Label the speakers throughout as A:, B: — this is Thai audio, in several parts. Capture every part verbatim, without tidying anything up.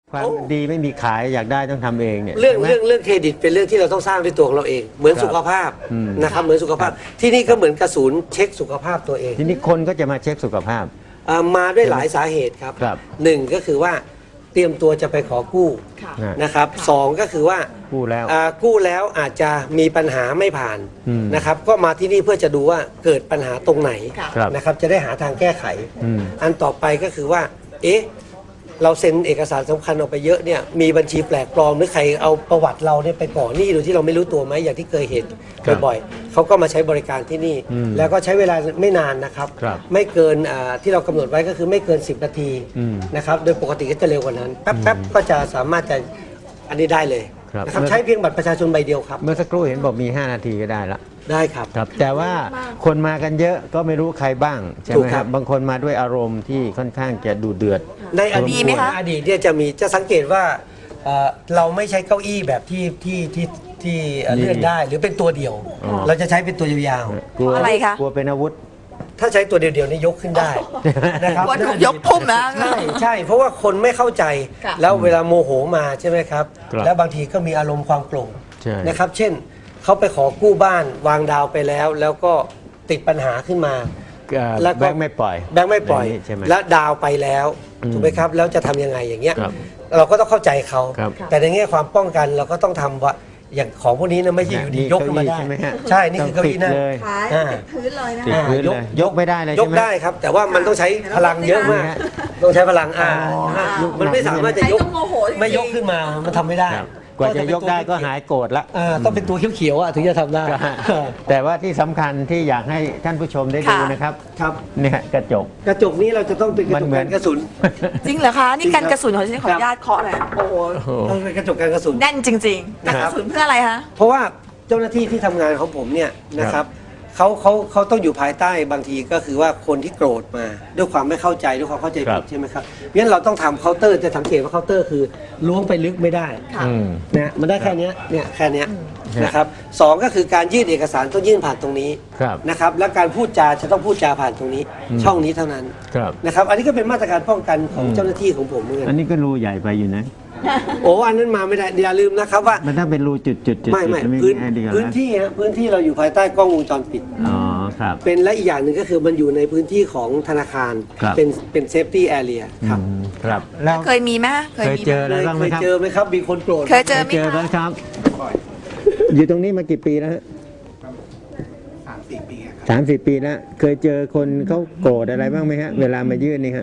A: ความดีไม่มีขายอยากได้ต้องทำเองเนี่ย
B: เรื่องเรื่องเรื่องเครดิตเป็นเรื่องที่เราต้องสร้างด้วยตัวของเราเอง เหมือนสุขภาพนะครับเหมือนสุขภาพที่นี่ก็เหมือนกระสุนเช็คสุขภาพตัวเอง
A: ทีนี้คนก็จะมาเช็คสุขภาพ
B: มาด้วยหลายสาเหตุครับหนึ่งก็คือว่าเตรียมตัวจะไปขอกู้นะครับสองก็คือว่า
A: กู้แล้ว
B: กู้แล้วอาจจะมีปัญหาไม่ผ่านนะครับก็มาที่นี่เพื่อจะดูว่าเกิดปัญหาตรงไหนนะครับจะได้หาทางแก้ไขอันต่อไปก็คือว่าเอ๊ะเราเซ็นเอกสารสำคัญออกไปเยอะเนี่ยมีบัญชีแปลกปลอมหรือใครเอาประวัติเราเนี่ยไปก่อหนี้โดยที่เราไม่รู้ตัวไหมอย่างที่เคยเห็นบ่อยๆเขาก็มาใช้บริการที่นี่แล้วก็ใช้เวลาไม่นานนะครับไม่เกินที่เรากำหนดไว้ก็คือไม่เกินสิบนาทีนะครับโดยปกติก็จะเร็วกว่านั้นแป๊บๆก็จะสามารถจะอันนี้ได้เลยนะครับใช้เพียงบัตรประชาชนใบเดียวครับ
A: เมื่อสักครู่เห็นบอกมีห้านาทีก็ได้ละ
B: ได้ครับ
A: ครับแต่ว่าคนมากันเยอะก็ไม่รู้ใครบ้างใช่ไหมครับบางคนมาด้วยอารมณ์ที่ค่อนข้างจะดูเดือด
B: ในอดีตอดีตเนี่ยจะมีจะสังเกตว่าเราไม่ใช้เก้าอี้แบบที่ที่ที่ที่เลื่อนได้หรือเป็นตัวเดียวเราจะใช้เป็นตัวยาว
C: ๆกลัวอะไรคะ
A: กลัวเป็นอาวุธ
B: ถ้าใช้ตัวเดียวๆนี่ยกขึ้นได้นะครับ
C: กลัวถูกยกพุ่มนะ
B: ใช่ใช่เพราะว่าคนไม่เข้าใจแล้วเวลาโมโหมาใช่ไหมครับแล้วบางทีก็มีอารมณ์ความโกรธนะครับเช่นเขาไปขอกู้บ้านวางดาวไปแล้วแล้วก็ติดปัญหาขึ้นมา
A: แล้วแบงค์ไม่ปล่อย
B: แบงค์ไม่ปล่อยแล้วดาวไปแล้วถูกไหมครับแล้วจะทำยังไงอย่างเงี้ยเราก็ต้องเข้าใจเขาแต่ในแง่ความป้องกันเราก็ต้องทำว่าอย่างของพวกนี้นะไม่ใช่อยู่ดียกขึ้นมาได้ใช่นี่คือเก้าอี้นั่ง
C: พื้นเลยนะ
A: ยกยกไม่ได้เลย
B: ยกได้ครับแต่ว่ามันต้องใช้พลังเยอะมากต้องใช้พลังอ่ามันไม่สามารถจะยกไม่ยกขึ้นมามันทำไม่ได้
A: กว่าจะยกได้ก็หายโกรธละ
B: ต้องเป็นตัวเขียวๆถึงจะทำได้
A: แต่ว่าที่สำคัญที่อยากให้ท่านผู้ชมได้ดูนะครับ
B: ครับ
A: เนี่ยกระจก
B: กระจกนี้เราจะต้องเป็นกระจกกันกระสุน
C: จริงเหรอคะนี่กันกระสุนของฉันขออนุญาตเคาะหน่อยโอ้โห
B: ต้องเป็นกระจกกันกระสุน
C: แน่นจริงๆกันกระสุนเพื่ออะไรคะ
B: เพราะว่าเจ้าหน้าที่ที่ทำงานของผมเนี่ยนะครับเขาเขาเขาต้องอยู่ภายใต้บางทีก็คือว่าคนที่โกรธมาด้วยความไม่เข้าใจด้วยความเข้าใจผิดใช่ไหมครับเพราะฉะนั้นเราต้องทำเคาน์เตอร์จะสังเกตว่าเคาน์เตอร์คือล้วงไปลึกไม่ได้นะมันได้แค่นี้เนี่ยแค่นี้นะครับสองก็คือการยื่นเอกสารต้องยื่นผ่านตรงนี้นะครับและการพูดจาจะต้องพูดจาผ่านตรงนี้ช่องนี้เท่านั้นนะครับอันนี้ก็เป็นมาตรการป้องกันของเจ้าหน้าที่ของผมเหมือนกัน
A: อันนี้ก็รูใหญ่ไปอยู่นะ
B: โอ้อันนั้นมาไม่ได้อย่าลืมนะครับว่า
A: มันถ้าเป็นรูจุดจุด
B: ไม่ไม่พื้นพื้นที่ฮะพื้นที่เราอยู่ภายใต้กล้องวงจรปิด
A: อ๋อครับ
B: เป็นและอีกอย่างหนึ่งก็คือมันอยู่ในพื้นที่ของธนาคารเป็นเป็นเซฟตี้แอเรียครับ
A: ครับ
C: แล้วเคยมีไหม
A: เคยเจออะไรบ้างไหมครับ
B: เคยเจอไหมครับมีคนโกรธ
C: เคยเจอไหม
A: ครับอยู่ตรงนี้มากี่ปีแล้วฮะ
D: สามสี่ปี
A: สามสี่ปีแล้วเคยเจอคนเขาโกรธอะไรบ้างไหมฮะเวลามายื่นนี่ฮะ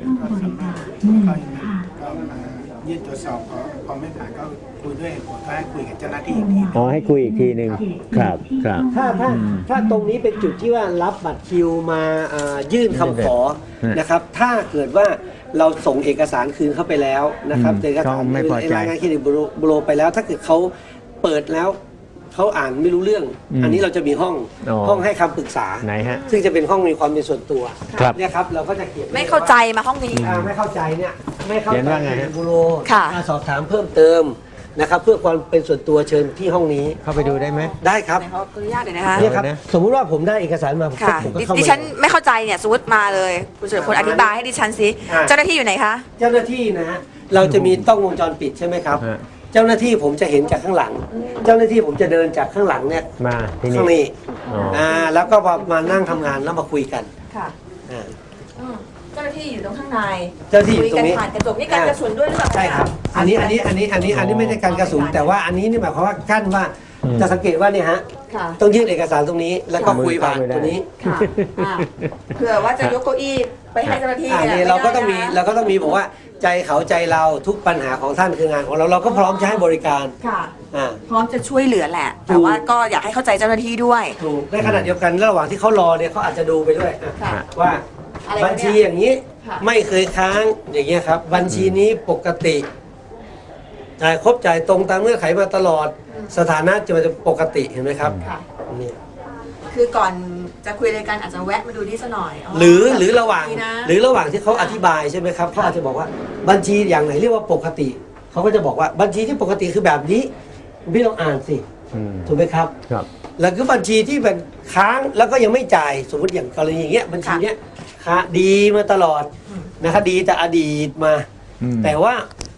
D: ยื่นตรวจสอบพอไม่ผ่านก็คุยด้วยผมก็ให้คุยกับเจ้าหน้าที่อีกที
A: อ๋อให้คุยอีกทีหนึ่งครับครับ
B: ถ้าถ้าถ้าตรงนี้เป็นจุดที่ว่ารับบัตรคิวมายื่นคำขอนะครับถ้าเกิดว่าเราส่งเอกสารคืนเข้าไปแล้วนะครับเอกสารรายงานเครดิตบูโรไปแล้วถ้าเกิดเขาเปิดแล้วเขาอ่านไม่รู้เรื่องอันนี้เราจะมีห้องห้องให้คำปรึกษา
A: ไหนฮะ
B: ซึ่งจะเป็นห้องมีความเป็นส่วนตัวเนี่ยครับเราก็จะเขียน
C: ไม่เข้าใจมาห้องนี้
B: ไม่เข้าใจเนี่ยไม่เข้าใจบูโร
C: มา
B: สอบถามเพิ่มเติมนะครับเพื่อความเป็นส่วนตัวเชิญที่ห้องนี้
A: เข้าไปดูได้ไหม
B: ได้ครับ
C: ขออนุญาตเลยนะคะ
B: นี่ครับสมมุติว่าผมได้เอกสารมาผมก็เข้า
C: ดิฉันไม่เข้าใจเนี่ยสมมติมาเลยคุณเฉลิมพลอธิบายให้ดิฉันสิเจ้าหน้าที่อยู่ไหนคะ
B: เจ้าหน้าที่นะฮะเราจะมีกล้องวงจรปิดใช่ไหมครับเจ้าหน้าที่ผมจะเห็นจากข้างหลังเจ้าหน้าที่ผมจะเดินจากข้างหลังเนี่ย
A: มาที่
B: ข้างนี้อ่าแล้วก็มานั่งทำงานแล้วมาคุยกัน
C: ค่ะเจ้าหน้าที่อยู่ตรงข้างใน
B: เจ้าหน้าที่อยู่ตรงนี้
C: ผ่านกระจกนี่การกระสุนด้วยหรือเปล่า
B: ใช่ครับอันนี้อันนี้อันนี้อันนี้อันนี้ไม่ใช่การกระสุนแต่ว่าอันนี้นี่หมายความว่ากั้นว่าจะสังเกตว่านี่ฮะต้องยื่นเอกสารตรงนี้แล้วก็คุยผ่านตัวนี้
C: เผื่อว่าจะยกเก้าอี้ไปให้เจ้าหน้าที่
B: เนี่ยเราก็ต้องมีเราก็ต้องมีบอกว่าใจเขาใจเราทุกปัญหาของท่านคืองานของเราเราก็พร้อมจะให้บริการ
C: ค่ะพร้อมจะช่วยเหลือแหละแต่ว่าก็อยากให้เข้าใจเจ้าหน้าที่ด้วย
B: ถูกในขณะเดียวกันระหว่างที่เขารอเนี่ยเขาอาจจะดูไปด้วยว่าบัญชีอย่างนี้ไม่เคยค้างอย่างเงี้ยครับบัญชีนี้ปกติจ่ายครบจ่ายตรงตามเงื่อนไขมาตลอดสถานะจะเป็นปกติเห็นไหมครับนี่
C: คือก่อนจะคุยรายการอาจจะแวะมาดูนี่ซะหน่อย
B: หรือหรือระหว่างหรือระหว่างที่เขาอธิบายใช่ไหมครับเขาอาจจะบอกว่าบัญชีอย่างไหนเรียกว่าปกติเขาก็จะบอกว่าบัญชีที่ปกติคือแบบนี้พี่ลองอ่านสิถูกไหมครับ
A: ครับ
B: แล้วก็บัญชีที่เป็นค้างแล้วก็ยังไม่จ่ายสมมติอย่างกรณีอย่างเงี้ยบัญชีเนี้ยค้าดีมาตลอดนะครับดีแต่อดีตมาแต่ว่า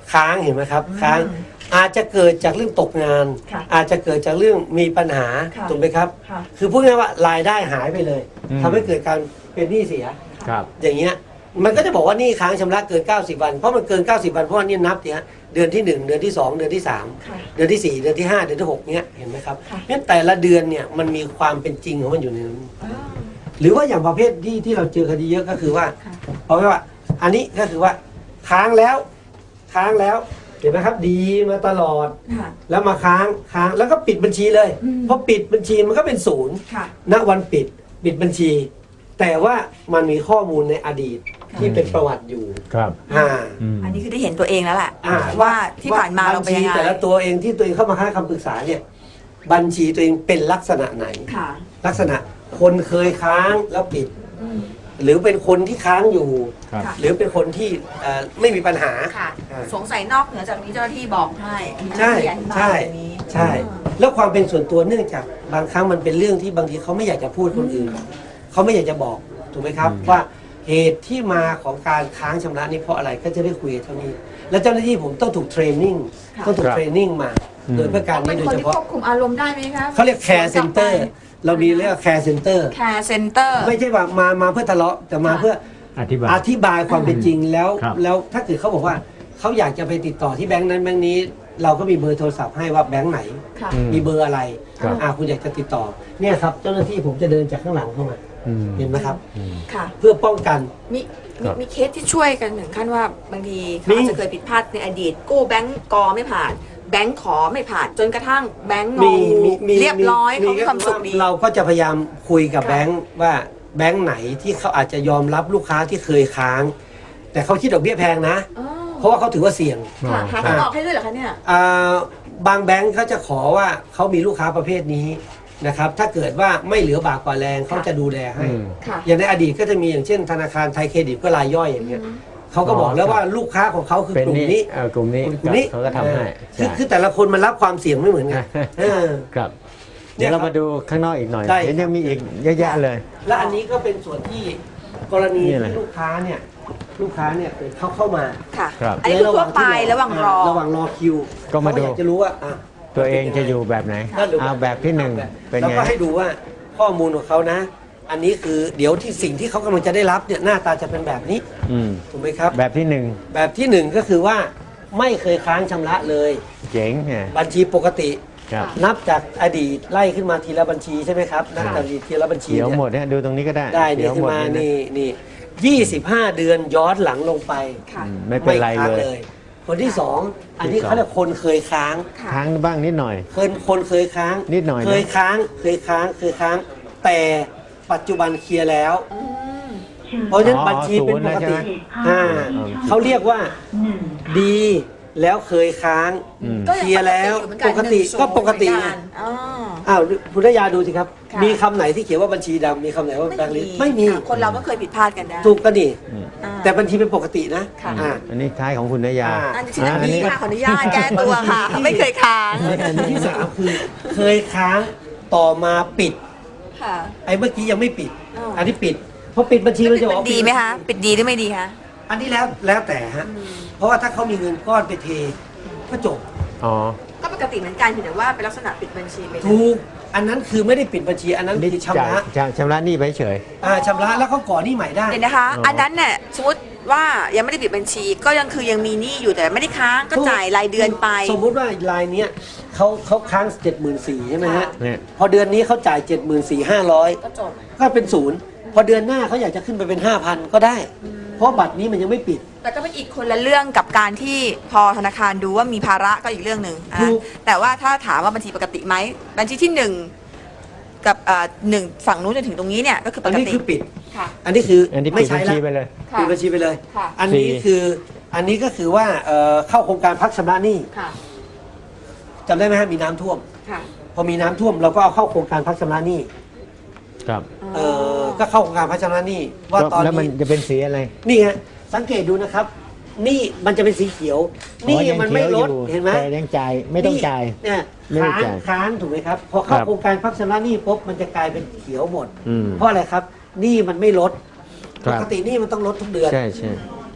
B: ค้างเห็นไหมครับค้างอาจจะเกิดจากเรื่องตกงาน
C: ค่ะ
B: อาจจะเกิดจากเรื่องมีปัญหา
C: ค่ะ
B: ถูกไหมครับ
C: ค่ะ
B: คือพูดง่ายๆว่ารายได้หายไปเลย
A: อืม
B: ทำให้เกิดการเป็นหนี้เสีย
A: ครับ
B: อย่างเงี้ยมันก็จะบอกว่าหนี้ค้างชำระเกิน เก้าสิบ วันเพราะมันเกิน เก้าสิบ วันเพราะว่านี่นับเนี่ยเดือนที่หนึ่งเดือนที่สองเดือนที่สาม
C: ค่ะ
B: เดือนที่สี่เดือนที่ห้าเดือนที่หกเนี้ยเห็นไหมครับ
C: ค่ะ
B: งั้นแต่ละเดือนเนี่ยมันมีความเป็นจริงของมันอยู่ในนั้น
C: อ้าว
B: หรือว่าอย่างประเภทที่ที่เราเจอคดีเยอะก็คือว่า
C: ค่ะ
B: เพราะว่าอันนี้ก็คือว่าค้างแล้วค้างแล้วเห็นไหมครับดีมาตลอด
C: ค่ะ
B: แล้วมาค้างค้างแล้วก็ปิดบัญชีเลย
C: อืม
B: พอปิดบัญชีมันก็เป็นศูนย์
C: ค่ะ
B: ณวันปิดปิดบัญชี แต่ว่ามันมีข้อมูลในอดีตที่เป็นประวัติอยู่
A: ครับ
B: อ่า
A: อืม
C: อันนี้คือได้เห็นตัวเองแล้วแหละ
B: อ่า
C: ว่าที่ผ่านมาเราเป็นยังไง
B: บัญชีแต่ละตัวเองที่ตัวเองเข้ามาให้คำปรึกษาเนี่ยบัญชีตัวเองเป็นลักษณะไหน
C: ค่ะ
B: ลักษณะคนเคยค้างแล้วปิด
C: อืม
B: หรือเป็นคนที่ค้างอยู่
A: ครับ
C: ค่ะ
B: หรือเป็นคนที่เอ่อไม่มีปัญหา
C: ค่ะ
B: อ่า
C: สงสัยนอกเหนือจากนี้เจ้าหน้าที่บอกให้อันนี้
B: ใช่
C: เจ้าหน้าที่อธิบาย
B: ใช่
C: ตรงนี้
B: ใช่ แล้วความเป็นส่วนตัวเนื่องจากบางครั้งมันเป็นเรื่องที่บางทีเขาไม่อยากจะพูดคนอื่นเขาไม่อยากจะบอกถูกไหมครับ
A: อืม
B: ว่าเหตุที่มาของการค้างชำระนี่เพราะอะไรก็จะได้คุยกันเท่านี้ แล้วเจ้าหน้าที่ผมต้องถูกเทรนนิ่ง
C: ค่ะ
B: ต้องถูกเทรนนิ่งมา
A: อืม
B: โดยเพื่อการ
C: เป็
B: นี้
C: น
B: โดย
C: คน
B: เฉ
C: ที่
B: พาะ
C: ควบคุมอารมณ์ได้ไหมคะ
B: เขาเรียกแคร์เซ็นเตอร์เรามีเรียกแคร์เซ็นเตอร์
C: แคร์เซ็นเตอร์
B: ไม่ใช่ว่ามามาเพื่อทะเลาะแต่มาเพื่อ
A: อธิบาย
B: อธิบายความเป็นจริงแล้ว
A: ครับ
B: แล้วถ้าเกิดเขาบอกว่าเขาอยากจะไปติดต่อที่แบงค์นั้นแบงค์นี้ เราก็มีเบอร์โทรศัพท์ให้ว่าแบงค์ไหน
C: ค่ะ
A: อืม
B: มีเบอร์อะไร
A: ครับ
B: อ่าคุณอยากจะติดต่อเนี่ยครับเจ้าหน้าที่ผมจะเดินจากข้างหลังเข้ามา
A: อืม
B: เห็นไหมครับ
A: อืม
C: ค่ะ
B: เพื่อป้องกัน
C: มี
A: ค
C: มี
A: รับ
C: มีเคสที่ช่วยกันถึงขั้นว่าบางที
B: มี
C: เขาอาจจะเคยผิดพลาดในอดีต กู้แบงก์กอไม่ผ่าน แบงก์ขอไม่ผ่าน จนกระทั่งแบงก์งอ
B: มี
C: งู
B: มีมี
C: เรียบร้อยเขามีความสุขดี
B: เราก็จะพยายามคุยกับ
C: ค่ะ
B: แบงค์ว่าแบงค์ไหนที่เขาอาจจะยอมรับลูกค้าที่เคยค้าง แต่เขาคิดดอกเบี้ยแพงนะ
C: อ๋อ
B: เพราะว่าเขาถือว่าเสี่ยง
C: ค่ะหาทางออกให้ด้วยเหรอคะเนี่ย
B: อ่าบางแบงค์เขาจะขอว่าเขามีลูกค้าประเภทนี้นะครับ ถ้าเกิดว่าไม่เหลือบากกว่าแรงเขาจะดูแลให้
A: อืม
C: ค่ะ
B: อย่างในอดีตก็จะมีอย่างเช่นธนาคารไทยเครดิตเพื่อรายย่อยอย่างเงี้ยเขาก็บอกแล้วว่าลูกค้าของเขาคือ
A: เป็น
B: กลุ่ม
A: นี่
B: นี้
A: เอ่อกลุ่มนี้
B: กลุ่มนี้
A: เขาก็ทำให้
B: เออคือ
A: ใช่
B: คือแต่ละคนมันรับความเสี่ยงไม่เหมือนกันเออ
A: ครับ
B: เนี่
A: เดี๋ย
B: ยว
A: เรา
B: ครับ
A: มาดูข้างนอกอีกหน่อย
B: ได้
A: เห็นยังมีอีกเยอะแยะเลย
B: และอันนี้ก็เป็นส่วนที่กรณี
A: นี่อะไร
B: ที่ลูกค้าเนี่ยลูกค้าเนี่ยเกิดเขาเข้ามา
C: ค่ะ
A: ครับ
C: อันนี้คือทั่วไประหว่างรอ
B: ระหว่างรอคิว
A: ก็มาดู
B: เขอยากจะรู้ว่าอ่ะ
A: ตัวเองจะอยู่แบบไหน
B: ก็ดู
A: เอาแบบที่หนึ่งเป็น
B: แล้ว
A: ไง
B: ก็ให้ดูว่าข้อมูลของเขานะ อันนี้คือเดี๋ยวที่สิ่งที่เขากำลังจะได้รับเนี่ยหน้าตาจะเป็นแบบนี้
A: อืม
B: ถูกไหมครับ
A: แบบที่หนึ่ง
B: แบบที่หนึ่งก็คือว่าไม่เคยค้างชำระเลย
A: เจ๋งไง
B: บัญชีปกติ
A: ครับ
B: นับจากอดีตไล่ขึ้นมาทีละบัญชีใช่ไหมครับนับจากอดีตทีละบัญชี
A: เดี๋ยว
B: เนี่ย
A: หมดเนี่ยดูตรงนี้ก็ได้
B: ได้
A: เดี๋
B: นี่
A: ยว
B: ขึ้
A: ห
B: น
A: มด
B: มา
A: เลยนะ
B: นี่นี่ยี่สิบห้าเดือนย้อนหลังลงไป
C: ค่ะ
A: อืมไม่เป็นไร
B: ค้าง
A: เลย
B: คนที่สองอันนี้
A: ที่สอง
B: เขาเรียกคนเคยค้าง
C: ค่ะ
A: ค้างบ้างนิดหน่อย
B: เคยคนเคยค้าง
A: นิดหน่อยนะ
B: เคยค้าง เคยค้าง เคยค้าง แต่ปัจจุบันเคลียร์แล้ว
C: อืม
B: เพราะฉะนั้น
A: อ๋อ
B: บัญชีเป็นปกติ
A: ศูนย์แล้วใช่ไหม
B: อ่า
A: อืม
B: เขาเรียกว่าดีแล้วเคยค้าง
A: อืม
C: ก็
B: เค
C: ยัง
B: ลียร์แล้ว
C: ป
B: ป
C: ก
B: ก
C: ติ
B: ติ
C: อยู่เหมือนน
B: ก็ปกติ
C: เหมื
B: ไง
C: อนนอ๋อ
B: อ้าวพุทธยาดูสิครับ
C: ค่ะ
B: มีคำไหนที่เขียนว่าบัญชีดำมีคำไหนว่าแบงค์ลิสต์ไม่มี
C: ค่ะคนเราก็เคยผิดพลาดกันได้
B: ถูกกันดิ
C: อ่า
B: แต่บัญชีเป็นปกตินะ
C: ค่ะ
B: อ่า
A: อันนี้ท้ายของคุณนยา
B: อ่า
C: อันที่อันนี้ค่ะขออนุญาตแก้ตัวค่ะ
B: บัญชี
C: ไม่เคยค้าง
B: อันที่สามคือเคยค้างต่อมาปิด
C: ค่ะ
B: ไอ้เมื่อกี้ยังไม่ปิด
C: อ้าว
B: อันนี้ปิดพอปิดบัญชีมันจะบอกว่า
C: ดีไหมคะปิดดีหรือไม่ดีคะ
B: อันนี้แล้วแล้วแต่ฮะเพราะว่าถ้าเขามีเงินก้อนไปเทก็จบ
A: อ๋อ
C: ก็ปกติเหมือนกันเพียงแต่ว่าเป็นลักษณะปิดบัญชีไปเลย
B: ถูกอันนั้นคือไม่ได้ปิดบัญชีอันนั้น
A: นี่
B: คือ
A: จ่าย
B: ชำระ
A: จ่ายชำระหนี้ไปเฉย
B: อ่าชำระแล้วเขาก่อหนี้ใหม่ได้
C: เดี๋ยวนะคะ
A: อ๋ออั
C: อันนั้นเนี่ยสมมติว่ายังไม่ได้ปิดบัญชี ก็ยังคือยังมีหนี้อยู่แต่ไม่ได้ค้างก็จ่ายรายเดือนไป
B: สมมุติว่ารายเนี้ยเขาเขาค้างเจ็ดหมื่นสี่ใช่ไหมฮะ
C: ค่ะ
A: เนี่ย
B: พอเดือนนี้เขาจ่ายเจ็ดหมื่นสี่ห้าร้อย
C: ก็จบ
B: ก็เป็นศูนย์พอเดือนหน้าเขาอยากจะขึ้นไปเป็นห้าพันก็ได้ เพราะบัตรนี้มันยังไม่ปิด
C: แต่ก็เป็นอีกคนละเรื่องกับการที่พอธนาคารดูว่ามีภาระก็อีกเรื่องหนึ่งอ่ะ
B: ถูก
C: แต่ว่าถ้าถามว่าบัญชีปกติไหมบัญชีที่หนึ่งกับเอ่อหนึ่งฝั่งนู้นจนถึงตรงนี้เนี่ยก็คือป
B: อัน
C: ก
B: นี้
C: ติ
B: คือปิด
C: ค่ะ
B: อันนี้คือ
A: อันนี้ปิ
B: ไม่
A: ด
B: ใช้
A: บัญ
B: ละ
A: ชีไปเลย
C: ค่ะ
B: ปิดบัญชีไปเลย
C: ค่ะ
B: อันนี้
A: สี่
B: คืออันนี้ก็คือว่าเอ่อเข้าโครงการพักชำระหนี้
C: ค่ะ
B: จำได้ไหมฮะมีน้ำท่วม
C: ค่ะ
B: พอมีน้ำท่วมเราก็เอาเข้าโครงการพักชำระหนี้
A: ครับ
B: เออก็เข้าโครงการพักชำระหนี้ว่าตอน
A: แล้วมัน
B: นี้
A: จะเป็นสีอะไร
B: นี่ฮะสังเกตดูนะครับหนี่มันจะเป็นสีเขียวหนี่
A: อ๋อยัง
B: มันไม่ลด
A: ขียวอยู่
B: เห็นไหม
A: แต่ยังจ่ายไม่ต้องจ่าย
B: เนี่ย
A: ไม่ต้อง
B: ค้าง
A: จ่าย
B: ค้างถูกไหมครับพอเข้า
A: ครับ
B: โครงการพักชำระหนี้ปุ๊บมันจะกลายเป็นเขียวหมด
A: อืม
B: เพราะอะไรครับหนี่มันไม่ลด
A: ครั
B: ป
A: บ
B: กติหนี่มันต้องลดทุกเดือน
A: ใช่ใช่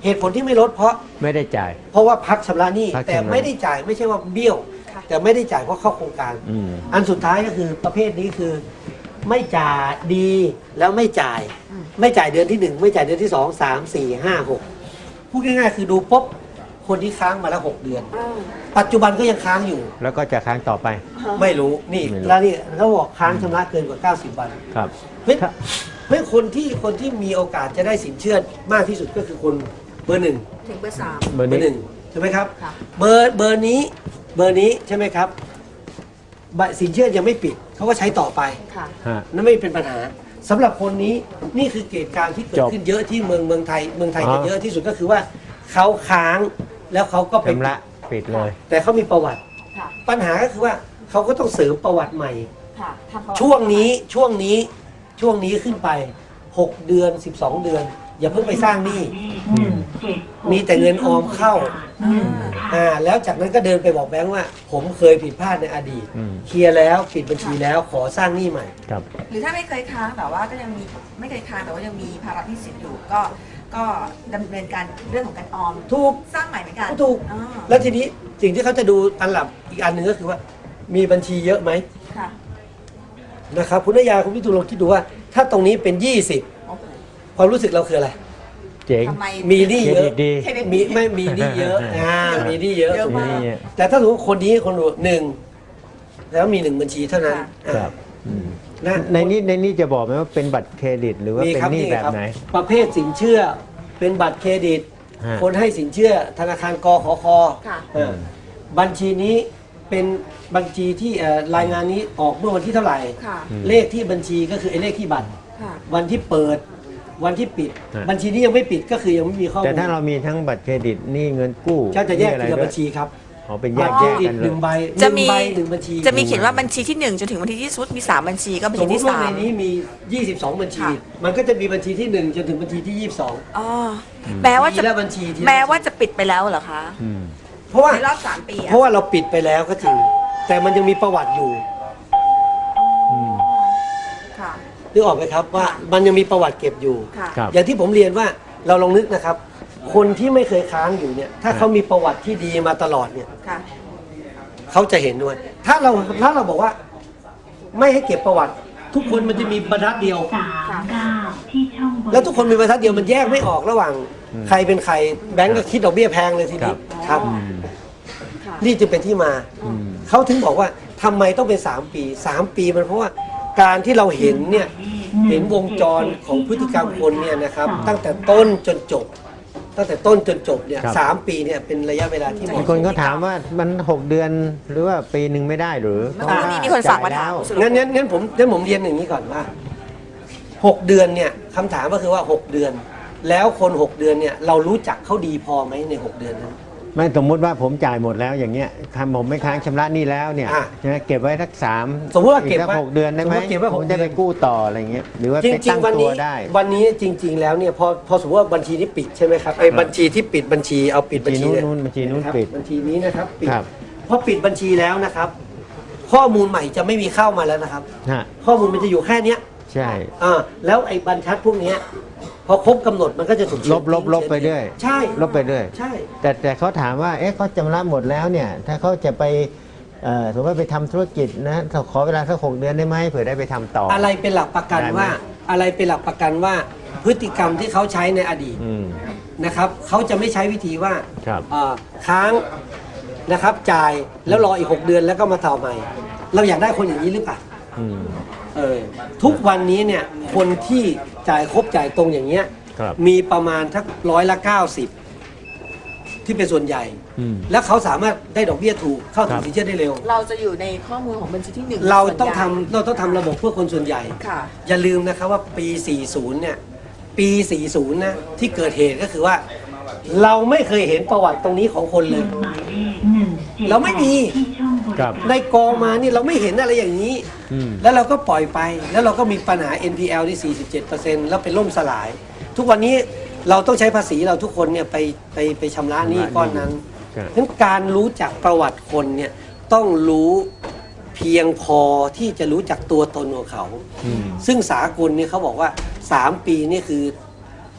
B: เหตุผลที่ไม่ลดเพราะ
A: ไม่ได้จ่าย
B: เพราะว่าพักชำระหนี้
A: พักชำระ
B: แต่ไม่ได้จ่ายไม่ใช่ว่าเบี้ยว
C: ค่ะ
B: แต่ไม่ได้จ่ายเพราะเข้าโครงการ
A: อืม
B: อันสุดท้ายก็คือประเภทนี้คือ ไม่จ่ายดีแล้วไม่จ่าย ไม่จ่ายเดือนที่หนึ่งไม่จ่ายเดือนที่สองสามสี่ห้าหกพูดง่ายๆคือดูปุ๊บคนที่ค้างมาแล้วหกเดือน ปัจจุบันก็ยังค้างอยู่
A: แล้วก็จะค้างต่อไป
B: ไม่รู้นี่
A: ไม่รู้
B: แล้วนี่เขาบอกค้างชำระเกินกว่าเก้าสิบวัน
A: ครับ
B: เฮ้ยเฮ้ยคนที่คนที่มีโอกาสจะได้สินเชื่อมากที่สุดก็คือคนเบอร์หนึ่ง
C: ถึงเบอร์สาม
A: เบอร์
B: เบอ
A: นี้
B: ร์หนึ่งใช่ไหมครับ
C: ค่ะ
B: เบอร์เบอร์นี้เบอร์นี้ใช่ไหมครับบัตรสินเชื่อยังไม่ปิดเขาก็ใช้ต่อไป
C: ค่ะ
A: ฮะ
B: นั่นไม่เป็นปัญหาสำหรับคนนี้นี่คือเหตุการณ์ที่เกิด
A: จบ
B: ขึ้นเยอะที่เมืองเมืองไทยเมืองไทย
A: อ๋อ
B: จะเยอะที่สุดก็คือว่าเขาค้างแล้วเขาก็ไป
A: ชำระปิดเลย
B: แต่เขามีประวัติ
C: ค่ะ
B: ปัญหาก็คือว่าเขาก็ต้องเสริมประวัติใหม่
C: ค่ะทำประติ
B: ช่วงนี้ช่วงนี้ช่วงนี้ขึ้นไปหกเดือนสิบสองเดือน อย่าเพิ่งไปสร้างหนี้มีแต่เงินออมเข้า
C: อ่า
B: อ่าแล้วจากนั้นก็เดินไปบอกแบงค์ว่า ผมเคยผิดพลาดในอดีต
A: อืม
B: เคลียร์แล้วปิดบัญชีแล้วขอสร้างหนี้ใหม่
A: ครับ
C: หรือถ้าไม่เคยค้างแต่ว่าก็ยังมีไม่เคยค้างแต่ว่ายังมีภาระหนี้สินอยู่ก็ก็ดำเนินการเรื่องของการออม
B: ถูก
C: สร้างใหม่เหมือนกัน
B: ถูก
C: อ่า
B: แล้วทีนี้สิ่งที่เขาจะดูอันหลับอีกอันหนึ่งก็คือว่า มีบัญชีเยอะไหม
C: ค่ะ
B: นะครับคุณนายาคุณพิทูลลองคิดดูว่า ถ้าตรงนี้เป็นยี่สิบ
C: โอ้โห
B: ความรู้สึกเราคืออะไร
A: เจ๋ง
C: ทำไม
B: มีหนี้เย
A: เคร
B: อะ
A: ดิตดี
C: เครดิต
B: มีไม่มีหนี้เยอะอ่ามีหนี้เยอะ
C: เยอะ
B: ถูกไหม
C: มาก
A: นี่
B: แต่ถ้าสมมติคนนี้คนดูหนึ่งแล้วมีหนึ่งบัญชีเท่านั้น
A: ค
B: อ่า
A: รับอืม
B: นะ
A: ในนี้ในนี้จะบอกไหมว่าเป็นบัตรเครดิต หรือว่า
B: มี
A: เป็น
B: ครับ
A: หนี้
B: นี่
A: แบบ
B: ครับ
A: ไหน
B: ประเภทสินเชื่อเป็นบัตรเครดิต
A: ฮะ
B: คนให้สินเชื่อธนาคารกขค
C: ค่ะ
B: เออบัญชีนี้เป็นบัญชีที่เอ่อรายงานนี้ออกเมื่อวันที่เท่าไหร่
C: ค่ะ
B: เลขที่บัญชีก็คือไอ้เลขที่บัตร
C: ค่ะ
B: วันที่เปิดวันที่ปิด
A: ฮะ
B: บัญชีนี้ยังไม่ปิดก็คือยังไม่มีข้อมูล
A: แต่ถ้าเรามีทั้งบัตรเครดิตหนี้เงินกู้
B: ก็จะแยก
A: หนี้
B: ที
A: อ
B: ละ
A: ไร
B: บัญชีครับ
A: อ๋อเป็นแย
B: บัต
A: ก
B: รเค
A: แย
B: ร
A: ก
B: ดิต
A: กัน
B: ห
A: เล
B: นึ่
A: ย
B: งใบ
C: จะ
B: ห
C: มี
B: นึ่งใบหนึ่งบัญชี
C: จะมีเขียนว่าบัญชีที่หนึ่งจนถึงบัญชีที่สุดมีสามบัญชีก็บัญ
B: ส
C: ชี
B: มม
C: ที่
B: ติว่า
C: สา
B: ใน
C: ม
B: นี้มี ยี่สิบสอง บัญชี
C: ค่ะ
B: มันก็จะมีบัญชีที่หนึ่งจนถึงบัญชีที่ยี่สิบสอง
C: อ๋อแม้ว่าจะ
B: ทีละบัญชีทีละ
C: แม้ว่าจะปิดไปแล้วเหรอคะ
A: อืม
B: เพราะว่า
C: ในรอบสามปีอะ
B: เพราะว่าเราปิดไปแล้วก็จริง แต่มันยังมีประวัติอยู่
A: อืม
C: ค่ะ
B: นึกออกไหมครับว่ามันยังมีประวัติเก็บอยู่
C: ค่ะ
A: ครับ
B: อย่างที่ผมเรียนว่าเราลองนึกนะครับ คนที่ไม่เคยค้างอยู่เนี่ย ถ้าเขามีประวัติที่ดีมาตลอดเนี่ย
C: ค่ะ
B: เขาจะเห็นด้วย ถ้าเราถ้าเราบอกว่า ไม่ให้เก็บประวัติ ทุกคนมันจะมีบรรทัดเดียว
E: สามเก้าที่ช่องบน
B: แล้วทุกคนมีบรรทัดเดียวมันแยกไม่ออกระหว่าง
A: อืม
B: ใครเป็นใครแบงก์ก็คิดดอกเบี้ยแพงเลยทีนี้
C: ครับ
B: ครับ
A: อืม
C: ค่ะ
B: นี่จึงเป็นที่มา
A: อืม
B: เขาถึงบอกว่าทำไมต้องเป็นสามปีสามปีมันเพราะว่าการที่เราเห็นเนี่ยเห็นวงจรของพฤติกรรมคนเนี่ยนะครับ ตั้งแต่ต้นจนจบ ตั้งแต่ต้นจนจบเนี่ย
A: ครับ
B: สามปีเนี่ยเป็นระยะเวลาที่เห
A: มี
B: มาะ
A: ค
B: ส
A: น
B: ม
A: ก็ถามว่ามันหกเดือนหรือว่าปีหนึ่งไม่ได้หรือ
C: เมื่อกี้นี้มีคนฝากมาถาม
A: จ่ยแล้ว
B: งั้นงั้นงั้นผมงั้นผมเรียนอย่างนี้ก่อนว่าหกเดือนเนี่ยคำถามก็คือว่าหกเดือน แล้วคนหกเดือนเนี่ยเรารู้จักเขาดีพอไหมในหกเดือนนั้น
A: ไม่สมมุติว่าผมจ่ายหมดแล้วอย่างเงี้ยทำผมไม่ค้างชำระหนี้แล้วเนี่ย
B: อ่ะ
A: ใช่ไหมเก็บไว้สักสาม
B: สมมุติว่าเก็บ
A: อีสั
B: ไว้
A: หกเดือนได้ไหม
B: สมมุติเก็บไว้ห
A: ผ
B: ก
A: มจะไป
B: เดือน กู้
A: ต่ออะไรเงี้ยหรือว่า
B: จ
A: ไป
B: ริง
A: ตั้ง
B: ๆวัน
A: ตั
B: นี้
A: วได้
B: วันนี้จริง ๆ แล้วเนี่ยพอพอสมมติว่าบัญชีนี้ปิดใช่ไหมครับไอ้บัญชีที่ปิดบัญชีเอาปิดบัญชี
A: บัญชี
B: เย
A: นู้นบัญชีนู้น
B: นะครับ
A: ปิด
B: บัญชีนี้นะครับปิด
A: ครับ
B: พอปิดบัญชีแล้วนะครับ ข้อมูลใหม่จะไม่มีเข้ามาแล้วนะครับ
A: ฮะ
B: ข้อมูลมันจะอยู่แค่เนี้ย
A: ใช่
B: อ่าแล้วไอ้บรรทัดพวกเนี้ยพอครบกำหนดมันก็จะถูกเขียน
A: ลบลบลบไป
B: ทิ้ง
A: เรื่อย
B: ใช่
A: ลบไปเรื่อย
B: ใช่
A: แต่แต่เขาถามว่า เอ๊ะเขาจำระหมดแล้วเนี่ย ถ้าเขาจะไปเอ่อสมมติว่าไปทำธุรกิจนะขอเวลาสักหกเดือนได้ไหมเผื่อได้ไปทำต่ออ
B: อะไรเป็นหลักประกัน
A: ได้ไหม
B: ว่า อะไรเป็นหลักประกันว่าพฤติกรรมที่เขาใช้ในอดีต
A: อืม
B: นะครับเขาจะไม่ใช้วิธีว่า
A: ครับ
B: เอ่อค้างนะครับจ่ายแล้วรออีกหกเดือนแล้วก็มาต่อใหม่ เราอยากได้คนอย่างนี้หรือเปล่า
A: อืม
B: เออทุกวันนี้เนี่ยคนที่จ่ายครบจ่ายตรงอย่างเงี้ย
A: ครับ
B: มีประมาณทักร้อยละเก้าสิบที่เป็นส่วนใหญ่
A: อืม
B: แล้วเขาสามารถได้ดอกเบี้ยถูกเข้าถึ
A: ครั
B: ง
A: บ
B: สินเชื่อได้เร็ว
C: เราจะอยู่ในข้อมูลของบัญชีที่หนึ่ง
B: เรา
C: ส่วน
B: ต้อง
C: ใหญ่
B: ทำเราต้องทำระบบเพื่อคนส่วนใหญ่
C: ค่ะ
B: อย่าลืมนะครับว่าปี สี่สิบ เนี่ย ปี สี่สิบ นะที่เกิดเหตุก็คือว่า เราไม่เคยเห็นประวัติตรงนี้ของคนเลย
E: หมายเลขหนึ่งเจ็ด
B: เราไม่มี
E: ที่ช่องบน
A: ครับ
B: ในกองมานี่เราไม่เห็นอะไรอย่างนี้
A: อืม
B: แล้วเราก็ปล่อยไป แล้วเราก็มีปัญหา เอ็น พี แอล ที่ สี่สิบเจ็ดเปอร์เซ็นต์ แล้วเป็นล่มสลาย ทุกวันนี้เราต้องใช้ภาษีเราทุกคนเนี่ยไปไปไปชำระหนี้ก้อนนั้น
A: ครับ
B: งั้นการรู้จักประวัติคนเนี่ยต้องรู้เพียงพอที่จะรู้จักตัวตนของเขา
A: อืม
B: ซึ่งสากลเนี่ยเขาบอกว่า สาม ปีนี่คือ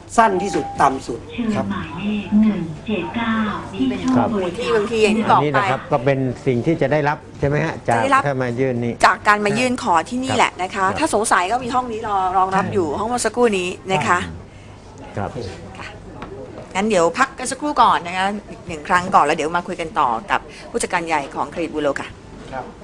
B: สั้นที่สุดต่ำสุด
E: เชิญ
B: ครับ
E: หมายเลขหนึ่งเจ็ดเก้าที่ช่อง
A: ครับ
E: บริ
C: ที่
E: กา
C: บาร งทีอย่างที่บ
A: อั
C: อน ก
A: นี้
C: ไป
A: นะครับก็เป็นสิ่งที่จะได้รับใช่ไหมฮะจาก
C: จะได้รับ
A: ถ้ามายื่นนี้
C: จากการมายื่นขอที่นี่
A: ครับ
C: แหละนะคะ
A: ครับ
C: ถ้าสงสัยก็มีห้องนี้รอรองรับอยู่ห้องเมื่อสักครู่นี้นะคะ
A: ครับ
C: งั้นเดี๋ยวพักกันสักครู่ก่อนนะคะอีกหนึ่งครั้งก่อนแล้วเดี๋ยวมาคุยกันต่อกับผู้จัดการใหญ่ของเครดิตบูโรค่ะ
B: ครับ